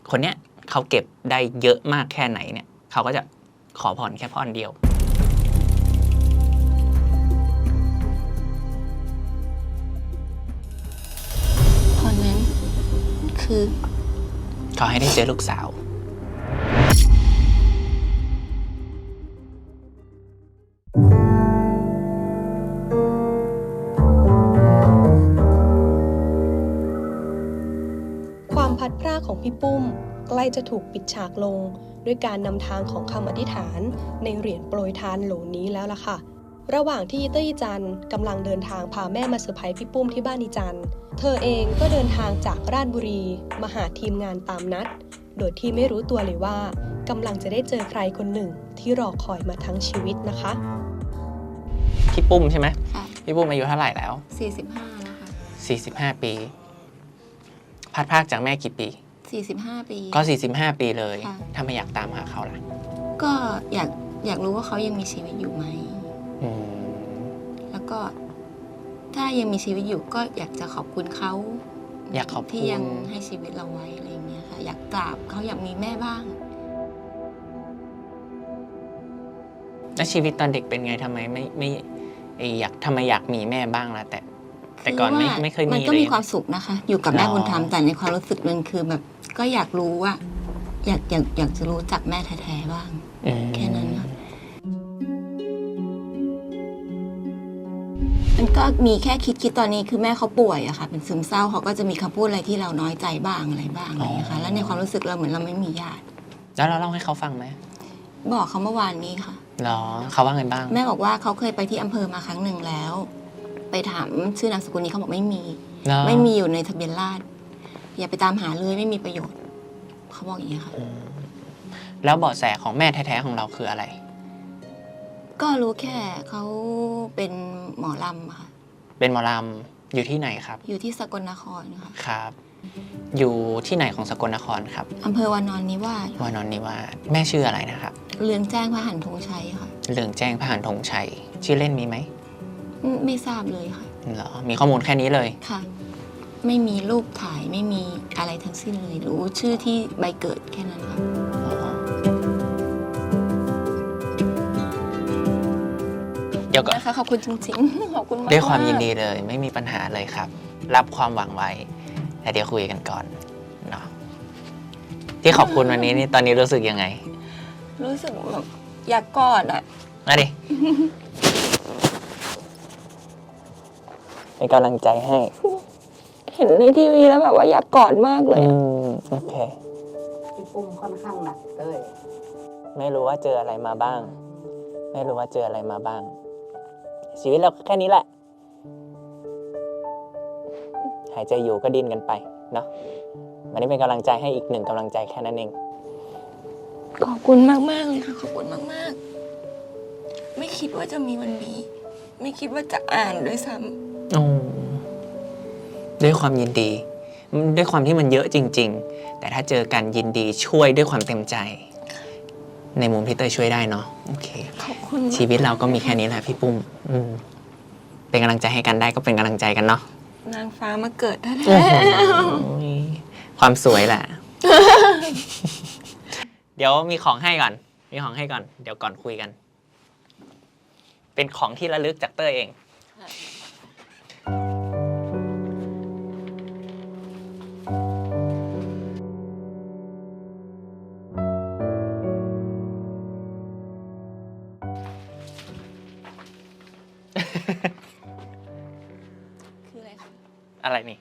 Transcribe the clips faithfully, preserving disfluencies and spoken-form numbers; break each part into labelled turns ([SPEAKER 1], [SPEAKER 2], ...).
[SPEAKER 1] คนเนี้ยเขาเก็บได้เยอะมากแค่ไหนเนี่ยเขาก็จะขอพรแค่พรเดียว
[SPEAKER 2] พรนั้นคือ
[SPEAKER 1] ขอให้ได้เจอลูกสาว
[SPEAKER 3] ความพัดพรากของพี่ปุ้มใกล้จะถูกปิดฉากลงด้วยการนำทางของคำอธิษฐานในเหรียญโปรยทานโหลนี้แล้วล่ะค่ะระหว่างที่อีเตอร์อีจันกำลังเดินทางพาแม่มาเซอร์ไพรส์พี่ปุ้มที่บ้านอีจันเธอเองก็เดินทางจากราชบุรีมาหาทีมงานตามนัดโดยที่ไม่รู้ตัวเลยว่ากำลังจะได้เจอใครคนหนึ่งที่รอคอยมาทั้งชีวิตนะคะ
[SPEAKER 1] พี่ปุ้มใช่ไหม
[SPEAKER 2] ค่ะ
[SPEAKER 1] พี่ปุ้มอายุเท่าไหร่แล้ว
[SPEAKER 2] สี่สิบห้าแล้วค่ะ
[SPEAKER 1] สี่สิบห้าปีพัดพรากจากแม่กี่ปี
[SPEAKER 2] สี่สิบห้าปี
[SPEAKER 1] ก็สี่สิบห้าปีเลยทำไมอยากตามหาเขาล่ะ
[SPEAKER 2] ก็อยากอยากรู้ว่าเขายังมีชีวิตอยู่ไหมแล้วก็ถ้ายังมีชีวิตอยู่ก็อยากจะขอบคุณเขา
[SPEAKER 1] อยากขอบคุณ
[SPEAKER 2] ที่ยังให้ชีวิตเราไว้อะไรอย่างเงี้ยค่ะอยากกราบเขาอยากมีแม่บ้าง
[SPEAKER 1] แล้วชีวิตตอนเด็กเป็นไงทำไมไม่ไม่อยากทำไมอยากมีแม่บ้างล่ะแต่แต่ก่อนไม่ไม่เคยมี
[SPEAKER 2] มันก็มีความสุขนะคะอยู่กับแม่บุญธรรมแต่ในความรู้สึกมันคือแบบก็อยากรู้ว่าอยากอยากอยากจะรู้จักแม่แท้ๆบ้างแค่นั้นค่ะมันก็มีแค่คิดคิดตอนนี้คือแม่เขาป่วยอะค่ะเป็นซึมเศร้าเขาก็จะมีคำพูดอะไรที่เราน้อยใจบ้างอะไรบ้างอะไรอย่างเงี้ยค่ะแล้วในความรู้สึกเราเหมือนเราไม่มีญาติ
[SPEAKER 1] แล้วเราเล่าให้เขาฟังไหม
[SPEAKER 2] บอกเขาเมื่อวานนี้ค่ะ
[SPEAKER 1] หรอเขาว่าไงบ้าง
[SPEAKER 2] แม่บอกว่าเขาเคยไปที่อำเภอมาครั้งหนึ่งแล้วไปถามชื่อนามสกุลนี้เขาบอกไม่มีไม่มีอยู่ในทะเบียนราษฎร์อย่าไปตามหาเลยไม่มีประโยชน์เขาบอกอย่างนี้ค่ะ
[SPEAKER 1] แล้วเบาะแสของแม่แท้ๆของเราคืออะไร
[SPEAKER 2] ก็รู้แค่เขาเป็นหมอลำค่ะ
[SPEAKER 1] เป็นหมอลำอยู่ที่ไหนครับ
[SPEAKER 2] อยู่ที่สกลนครค่ะ
[SPEAKER 1] ครับอยู่ที่ไหนของสกลนครครับ
[SPEAKER 2] อำเภอวานอนนิวาส
[SPEAKER 1] วานอนนิวาสแม่ชื่ออะไรนะครับ
[SPEAKER 2] เรืองแจ้งพหันธงชัยค่ะ
[SPEAKER 1] เรืองแจ้งพหันธงชัยชื่อเล่นมีไหม
[SPEAKER 2] ไม่ทราบเลยค่ะ
[SPEAKER 1] เหรอมีข้อมูลแค่นี้เลย
[SPEAKER 2] ค่ะไม่มีรูปถ่ายไม่มีอะไรทั้งสิ้นเลยรู้ชื่อที่ใบเกิดแค่นั้นค่ะ
[SPEAKER 1] เดี๋ยวก่อน
[SPEAKER 2] นะคะขอบคุณจริงๆขอบคุณมาก
[SPEAKER 1] ด้วยความยินดีเลยไม่มีปัญหาเลยครับรับความหวังไว้แต่เดี๋ยวคุยกันก่อนเนาะที่ขอบคุณวันนี้นี่ตอนนี้รู้สึกยังไง
[SPEAKER 2] รู้สึกแบบอยากกอดอ่ะ
[SPEAKER 1] มาดิเป็นกำลังใจให้
[SPEAKER 2] เห็นในทีวีแล้วแบบว่าอยากกอดมากเลย
[SPEAKER 1] อืมโอเค
[SPEAKER 4] พี่ปุ้มค่อนข้างหนักเลย
[SPEAKER 1] ไม่รู้ว่าเจออะไรมาบ้างไม่รู้ว่าเจออะไรมาบ้างชีวิตเราแค่นี้แหละหายใจอยู่ก็ดิ้นกันไปเนาะวันนี้เป็นกำลังใจให้อีกหนึ่งกำลังใจแค่นั้นเอง
[SPEAKER 2] ขอบคุณมากมากเลยค่ะขอบคุณมากมากไม่คิดว่าจะมีวันนี้ไม่คิดว่าจะอ่านด้วยซ้ำ
[SPEAKER 1] โอ้ด้วยความยินดีด้วยความที่มันเยอะจริงๆแต่ถ้าเจอกันยินดีช่วยด้วยความเต็มใจในมุมที่เตยช่วยได้เนาะโอเค
[SPEAKER 2] ขอบคุณ
[SPEAKER 1] ชีวิตเราก็มีแค่นี้แหละพี่ปุ้มเป็นกำลังใจให้กันได้ก็เป็นกำลังใจกันเนาะ
[SPEAKER 2] นางฟ้ามาเกิดแท้
[SPEAKER 1] ความสวยแหละ เดี๋ยวมีของให้ก่อนมีของให้ก่อนเดี๋ยวก่อนคุยกันเป็นของที่ระลึกจากเตยเอง
[SPEAKER 2] คืออะไรคะ
[SPEAKER 1] อะไรนี่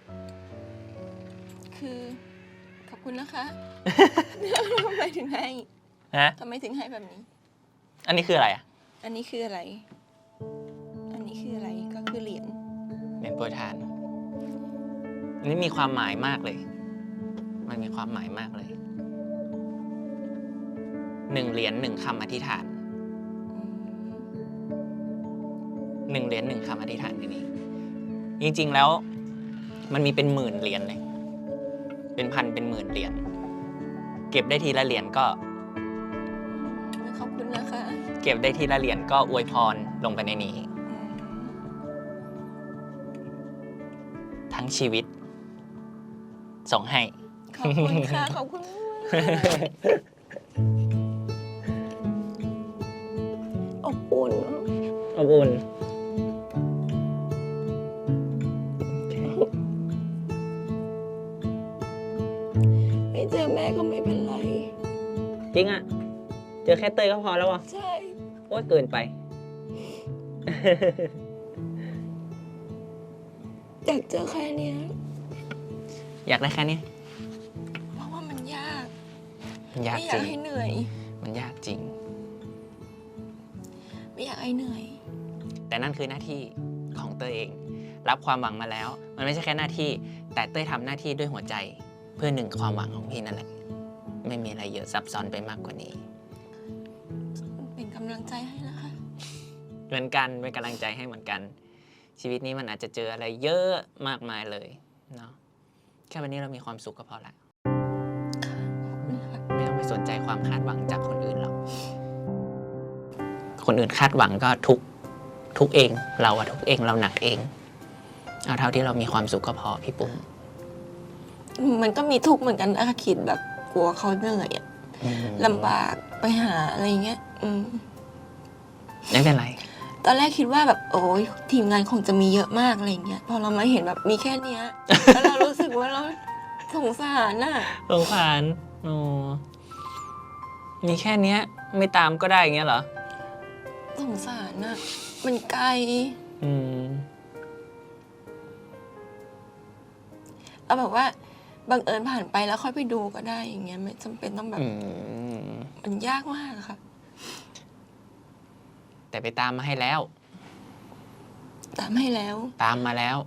[SPEAKER 2] คือขอบคุณนะคะทำไมถึงให้
[SPEAKER 1] ฮะ
[SPEAKER 2] ทำไมถึงให้แบบนี้
[SPEAKER 1] อันนี้คืออะไรอ่ะ
[SPEAKER 2] อันนี้คืออะไรอันนี้คืออะไรก็คือเหรียญ
[SPEAKER 1] เหรียญโปรยทานอันนี้มีความหมายมากเลยมันมีความหมายมากเลยหนึ่งเหรียญหนึ่งคำอธิษฐานหนึ่งเหรียญหนึ่งคำอธิษฐานในนี้จริงๆแล้วมันมีเป็นหมื่นเหรียญเลยเป็นพันเป็นหมื่นเหรียญเก็บได้ทีละเหรียญก็
[SPEAKER 2] ขอบคุณนะคะ
[SPEAKER 1] เก็บได้ทีละเหรียญก็อวยพรลงไปในนี้ทั้งชีวิตส่งให้
[SPEAKER 2] ขอบคุณค่ะ ขอบคุณมากอบอุ่น
[SPEAKER 1] อบอุ่น
[SPEAKER 2] ไม่เจอแม่ก็ไม่เป็นไร
[SPEAKER 1] จริงอ่ะ เจอแค่เตยก็พอแล้วอ่ะ
[SPEAKER 2] ใช่
[SPEAKER 1] โอ๊ยเกินไป
[SPEAKER 2] อยากเจอแค่เนี้ย
[SPEAKER 1] อยากได้แค่นี้
[SPEAKER 2] เพราะว่ามันยาก
[SPEAKER 1] มันยาก
[SPEAKER 2] ไม่อ
[SPEAKER 1] จ
[SPEAKER 2] ยา
[SPEAKER 1] ริ
[SPEAKER 2] ก
[SPEAKER 1] ง
[SPEAKER 2] ให้เหนื่อย
[SPEAKER 1] มันยากจริง
[SPEAKER 2] ไม่อยากให้เหนื่อย
[SPEAKER 1] แต่นั่นคือหน้าที่ของเต้ยเอง รับความหวังมาแล้ว มันไม่ใช่แค่หน้าที่ แต่เต้ยทำหน้าที่ด้วยหัวใจ เพื่อหนึ่งความหวังของพี่นั่นแหละ ไม่มีอะไรเยอะซับซ้อนไปมากกว่านี้
[SPEAKER 2] เป็นกำลังใจให้นะคะ
[SPEAKER 1] เหมือนกันเป็นกำลังใจให้เหมือนกัน ชีวิตนี้มันอาจจะเจออะไรเยอะมากมายเลยเนาะแค่วันนี้เรามีความสุขก็พอละไม่ต้องไปสนใจความคาดหวังจากคนอื่นหรอกคนอื่นคาดหวังก็ทุกทุกเอง เราอะทุกเองเราหนักเองเอาเท่าที่เรามีความสุขก็พอพี่ปุ้ม
[SPEAKER 2] มันก็มีทุกข์เหมือนกันนะคะคิดแบบกลัวเขาเหนื่อยอะ
[SPEAKER 1] อืม
[SPEAKER 2] ลำบากไปหาอะไรเงี้ย อืม
[SPEAKER 1] ไม่เป็นไร
[SPEAKER 2] ตอนแรกคิดว่าแบบโอ้ยทีมงานคงจะมีเยอะมากอะไรเงี้ย พอเรามาเห็นแบบมีแค่เนี้ย แล้วเรารู้สึกว่าเราสงสารน่ะ
[SPEAKER 1] สงสารโอ้มีแค่เนี้ย ไม่ตามก็ได้อย่างเงี้ยเหรอ
[SPEAKER 2] สงสารน่ะ มันไกล
[SPEAKER 1] อืม
[SPEAKER 2] เอาแบบว่าบังเอิญผ่านไปแล้วค่อยไปดูก็ได้อย่างเงี้ยไม่จำเป็นต้องแบบ
[SPEAKER 1] อืม
[SPEAKER 2] มันยากมากอะค่ะ
[SPEAKER 1] แต่ไปตามมาให้แล้ว
[SPEAKER 2] ตามให้แล้ว
[SPEAKER 1] ตามมาแล้ว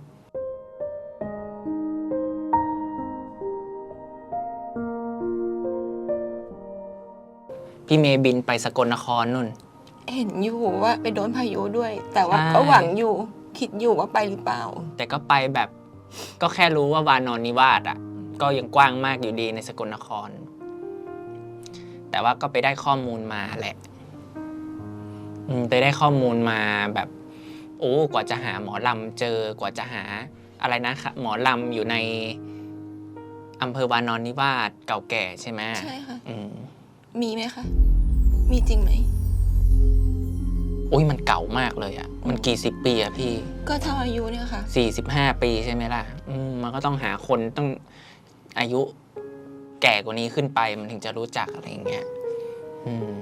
[SPEAKER 1] พี่เมย์บินไปสกลนครนุ่น
[SPEAKER 2] เห็นอยู่ว่าไปโดนพายุด้วย แต่ว่า
[SPEAKER 1] ใช่
[SPEAKER 2] ก็หวังอยู่คิดอยู่ว่าไปหรือเปล่า
[SPEAKER 1] แต่ก็ไปแบบ ก็แค่รู้ว่าวานอนนิวาสอ่ะ ก็ยังกว้างมากอยู่ดีในสกลนคร แต่ว่าก็ไปได้ข้อมูลมาแหละอืมไปได้ข้อมูลมาแบบ โอ้กว่าจะหาหมอลำเจอกว่าจะหาอะไรนะคะหมอลำอยู่ในอำเภอวานอนนิวาสเก่าแก่ใช่ไหม
[SPEAKER 2] ใช่ค่ะ
[SPEAKER 1] อืม
[SPEAKER 2] มีไหมคะ มีจริงไหม
[SPEAKER 1] โอ้ยมันเก่ามากเลยอ่ะ มันกี่สิบปีอะพี่
[SPEAKER 2] ก็เท่าอายุเนี่ยค่ะ
[SPEAKER 1] สี่สิบห้าปีใช่ไหมล่ะอืมมันก็ต้องหาคนต้องอายุแก่กว่านี้ขึ้นไปมันถึงจะรู้จักอะไรอย่างเงี้ยอืม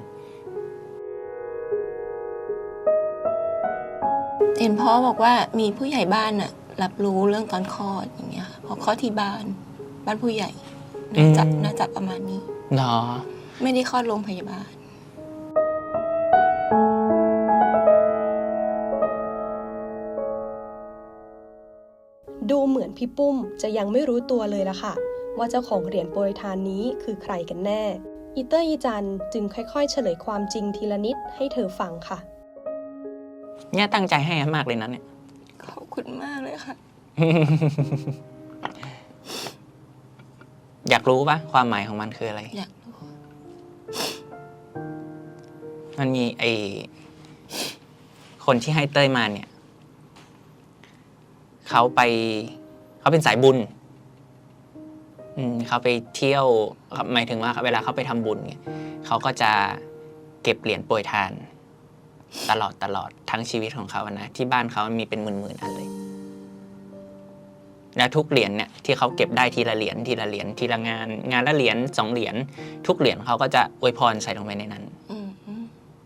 [SPEAKER 2] เห็นพ่อบอกว่ามีผู้ใหญ่บ้านน่ะ รับรู้เรื่องตอนคลอดอย่างเงี้ยค่ะเพราะคลอดที่บ้าน บ้านผู้ใหญ่น่าจะน่าจะประมาณนี้
[SPEAKER 1] เนาะ
[SPEAKER 2] ไม่ได้คลอดโรงพยาบาล
[SPEAKER 3] ดูเหมือนพี่ปุ้มจะยังไม่รู้ตัวเลยล่ะค่ะ ว่าเจ้าของเหรียญโปรยทานนี้คือใครกันแน่ อีเตอร์อีจันจึงค่อยๆ เฉลยความจริงทีละนิดให้เธอฟังค่ะ
[SPEAKER 1] เนี่ยตั้งใจให้มากเลยนะเนี่ย
[SPEAKER 2] ขอบคุณมากเลยค่ะ
[SPEAKER 1] อยากรู้ปะความหมายของมันคืออะไร
[SPEAKER 2] อยากรู้
[SPEAKER 1] มันมีไอคนที่ให้เต้ยมาเนี่ย เขาไป เขาเป็นสายบุญ อืมเขาไปเที่ยวหมายถึงว่าเวลาเขาไปทำบุญเนี่ยเขาก็จะเก็บเหรียญโปรยทาน ตลอดตลอดทั้งชีวิตของเขาอะนะที่บ้านเขามีเป็นหมื่นๆอันเลย และทุกเหรียญเนี่ยที่เขาเก็บได้ทีละเหรียญทีละเหรียญทีละงาน งานละเหรียญสองเหรียญทุกเหรียญเขาก็จะอวยพรใส่ลงไปในนั้น
[SPEAKER 2] อืมอืม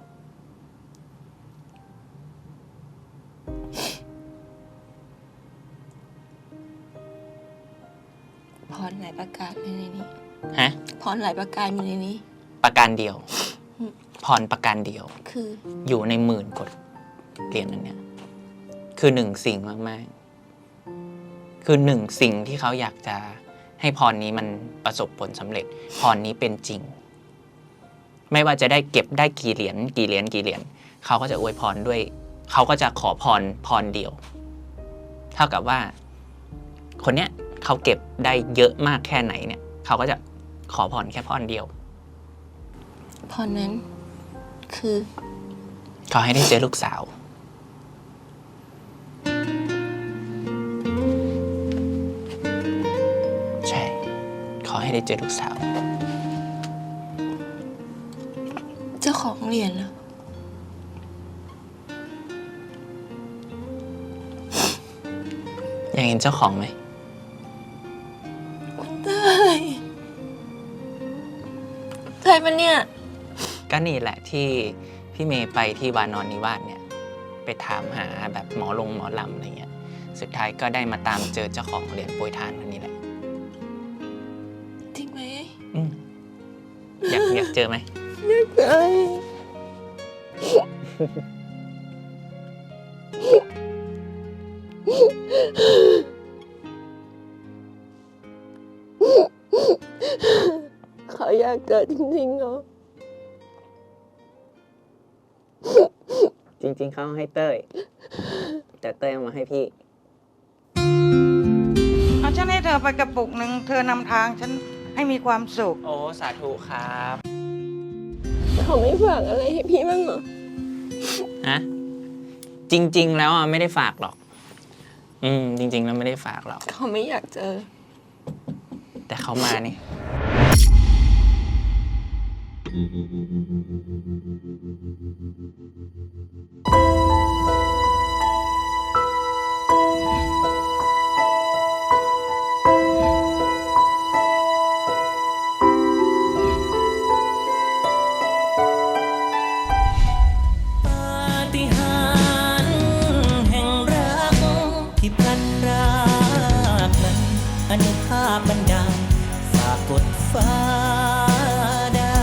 [SPEAKER 2] พรหลายประการอยู่ในนี้
[SPEAKER 1] ฮะ
[SPEAKER 2] พรหลายประการอยู่ในนี้
[SPEAKER 1] ประการเดียว
[SPEAKER 2] อืม
[SPEAKER 1] พรประการเดียว
[SPEAKER 2] คือ
[SPEAKER 1] อยู่ในหมื่นกว่าเหรียญนั้นเนี่ย คือหนึ่งสิ่งมากๆ คือหนึ่งสิ่งที่เขาอยากจะให้พรนี้มันประสบผลสำเร็จ พรนี้เป็นจริง ไม่ว่าจะได้เก็บได้กี่เหรียญกี่เหรียญกี่เหรียญเขาก็จะอวยพรด้วย เขาก็จะขอพรพรเดียว เท่ากับว่า คนเนี้ยเขาเก็บได้เยอะมากแค่ไหนเนี่ย เขาก็จะขอพรแค่พรเดียว
[SPEAKER 2] พรนั้น คือ
[SPEAKER 1] ขอให้ได้เจอลูกสาว ใช่ ขอให้ได้เจอลูกสาว
[SPEAKER 2] เจ้าของเหรียญนะ
[SPEAKER 1] อยากเห็นเจ้าของไหม
[SPEAKER 2] เต้ยใช่ปะเนี่ย
[SPEAKER 1] ก็นี่แหละที่พี่เมย์ไปที่วานอนนิวาสเนี่ย ไปถามหาแบบหมอลงหมอลำอะไรเงี้ย สุดท้ายก็ได้มาตามเจอเจ้าของเหรียญโปรยทานคนนี้แหละ
[SPEAKER 2] จริงไหม
[SPEAKER 1] อืมอยากอยากเจอไหม
[SPEAKER 2] เต้ยเขาอยากเจอจริงๆเหรอ
[SPEAKER 1] จริงๆเขาให้เต้ย แต่เต้ยเอามาให้พี่
[SPEAKER 5] เอาฉันให้เธอไปกระปุกหนึ่งเธอนำทางฉันให้มีความสุข
[SPEAKER 1] โอ้สาธุครับ
[SPEAKER 2] เขาไม่ฝากอะไรให้พี่บ้างเหรอ
[SPEAKER 1] ฮะจริง ๆ แล้วอ่ะไม่ได้ฝากหรอก อืม จริง ๆ แล้วไม่ได้ฝากหรอก
[SPEAKER 2] เขาไม่อยากเจอ
[SPEAKER 1] แต่เขามานี่
[SPEAKER 6] ปาฏิหาริย์แห่งรักที่พลันพรากนั้นอนุภาพบันดาลฝากกดฟ้าได้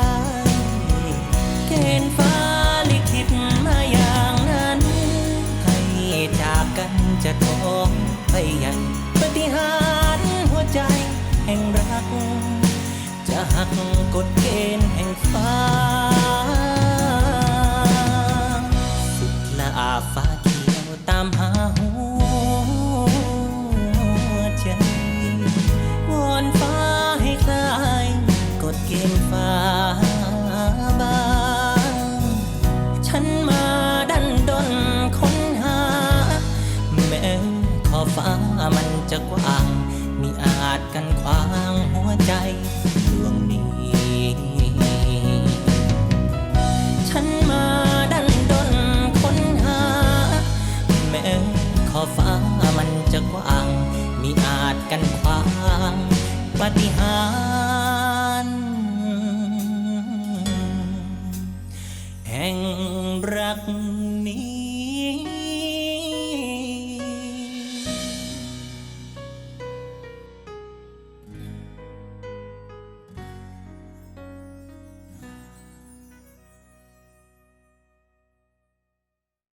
[SPEAKER 6] เกณฑ์ฟ้าลิขิตมาอย่างนั้นให้จากกันจะท้องไปใหญ่ปาฏิหาริย์หัวใจแห่งรักจะหักกฎเกณฑ์แห่งฟ้า